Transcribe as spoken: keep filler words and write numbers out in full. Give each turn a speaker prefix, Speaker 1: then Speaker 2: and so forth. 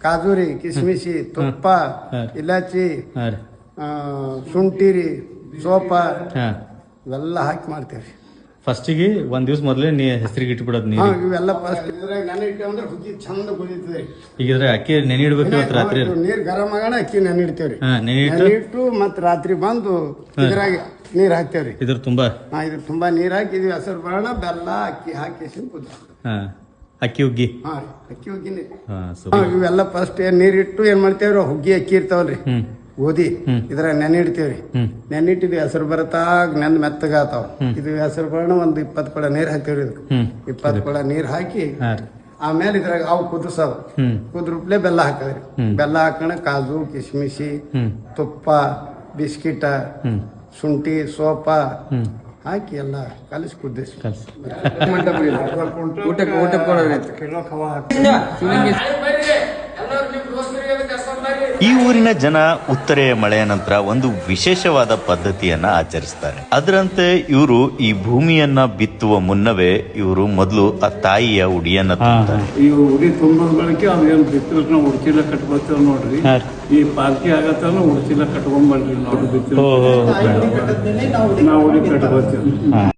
Speaker 1: ಕಾಜು ರೀ ಕಿಸ್ಮಿಸಿ ತುಪ್ಪ ಇಲಾಚಿ ಶುಂಠಿ ರೀ ಸೋಪ ಇವೆಲ್ಲ ಹಾಕಿ ಮಾಡ್ತೇವ್ರಿ.
Speaker 2: ಫಸ್ಟಿಗೆ ಒಂದ್ ದಿವ್ಸ ಮೊದಲೇ ನೀ ಹೆಸರಿಗೆ ಇಟ್ಬಿಡೋದು ನೀರು
Speaker 1: ಇವೆಲ್ಲ ಫಸ್ಟ್ ಇದ್ರಾಗ ನೆನೆ ಇಟ್ಟು ಅಂದ್ರೆ ಹುಗ್ಗಿ ಚಂದ ಕುದೀತದೆ.
Speaker 2: ಈಗ ಇದ್ರೆ ಅಕ್ಕಿ ನೆನೆ ಇಡ್ಬೇಕು ಇವತ್ತು ರಾತ್ರಿ
Speaker 1: ನೀರ್ ಗರಂ ಆಗೋಣ ಅಕ್ಕಿ ನೆನೆ ಇಡ್ತೇವ್ರಿ.
Speaker 2: ನೆನೆ
Speaker 1: ಇಟ್ಟು ಮತ್ ರಾತ್ರಿ ಬಂದು ಇದ್ರಾಗ ನೀರ್ ಹಾಕ್ತೇವ್ರಿ.
Speaker 2: ಇದ್ರ ತುಂಬಾ
Speaker 1: ಹಾ ಇದ್ರ ತುಂಬಾ ನೀರ್ ಹಾಕಿ ಇದು ಹೆಸರು ಬರೋಣ ಬೆಲ್ಲ ಅಕ್ಕಿ ಹಾಕಿ ಕುದ
Speaker 2: ಅಕ್ಕಿ ಹುಗ್ಗಿ.
Speaker 1: ಹಾ ರೀ ಅಕ್ಕಿ ಹುಗ್ಗಿನಿ. ಇವೆಲ್ಲ ಫಸ್ಟ್ ನೀರ್ ಇಟ್ಟು ಏನ್ ಮಾಡ್ತೇವ್ರಿ ಹುಗ್ಗಿ ಅಕ್ಕಿ ಇರ್ತಾವಲ್ರಿ ಗೋಧಿ ಇದ್ರಾಗ ನೆನೆ ಇಡ್ತೇವ್ರಿ. ನೆನ್ನಿಟ್ಟಿದ್ ಹೆಸರು ಬರತಾಗ ನೆಂದ್ ಮೆತ್ತಗಾತಾವ. ಇದು ಹೆಸರು ಬರೋಣ ಒಂದ್ ಇಪ್ಪತ್ ಕೊಡ ನೀರ್ ಹಾಕ್ತೇವ್ರಿ. ಇದಕ್ಕೆ ಇಪ್ಪತ್ ಕೊಡ ನೀರ್ ಹಾಕಿ ಆಮೇಲೆ ಇದ್ರಾಗ ಅವು ಕುದಿಸೋದು ಕುದ್ರುಪ್ಲೆ ಬೆಲ್ಲ ಹಾಕದ್ರಿ. ಬೆಲ್ಲ ಹಾಕೋಣ ಕಾಜು ಕಿಸ್ಮಿಸಿ ತುಪ್ಪ ಬಿಸ್ಕಿಟ ಶುಂಠಿ ಸೋಪ ಹಾಕಿ ಎಲ್ಲ ಕಲಿಸಿ ಕುದಿಸಿ
Speaker 3: ಊಟಕ್ಕೆ ಊಟಕ್ಕೆ
Speaker 4: ಈ ಊರಿನ ಜನ ಉತ್ತರೆಯ ಮಳೆಯ ನಂತರ ಒಂದು ವಿಶೇಷವಾದ ಪದ್ಧತಿಯನ್ನ ಆಚರಿಸ್ತಾರೆ. ಅದರಂತೆ ಇವರು ಈ ಭೂಮಿಯನ್ನ ಬಿತ್ತುವ ಮುನ್ನವೇ ಇವರು ಮೊದಲು ಆ ತಾಯಿಯ ಉಡಿಯನ್ನ ತುಂಬುತ್ತಾರೆ.
Speaker 5: ಈ ಉಡಿ ತುಂಬದ ಬಳಕೆ ಅವ್ರೇನು ಬಿತ್ತಲಕ್ ನಾವು ಉಡ್ಚಿಲ್ಲ ಕಟ್ಕೊತೇವ್ ನೋಡ್ರಿ. ಈ ಪಾಲ್ಕಿ ಆಗತ್ತ ಉಡ್ಚಿಲ್ಲ ಕಟ್ಕೊಂಡ್ಬರ್ರಿ ನಾವು ಬಿತ್ತ ನಾವು ಉಡಿ ಕಟ್ಕೊತೇವ್.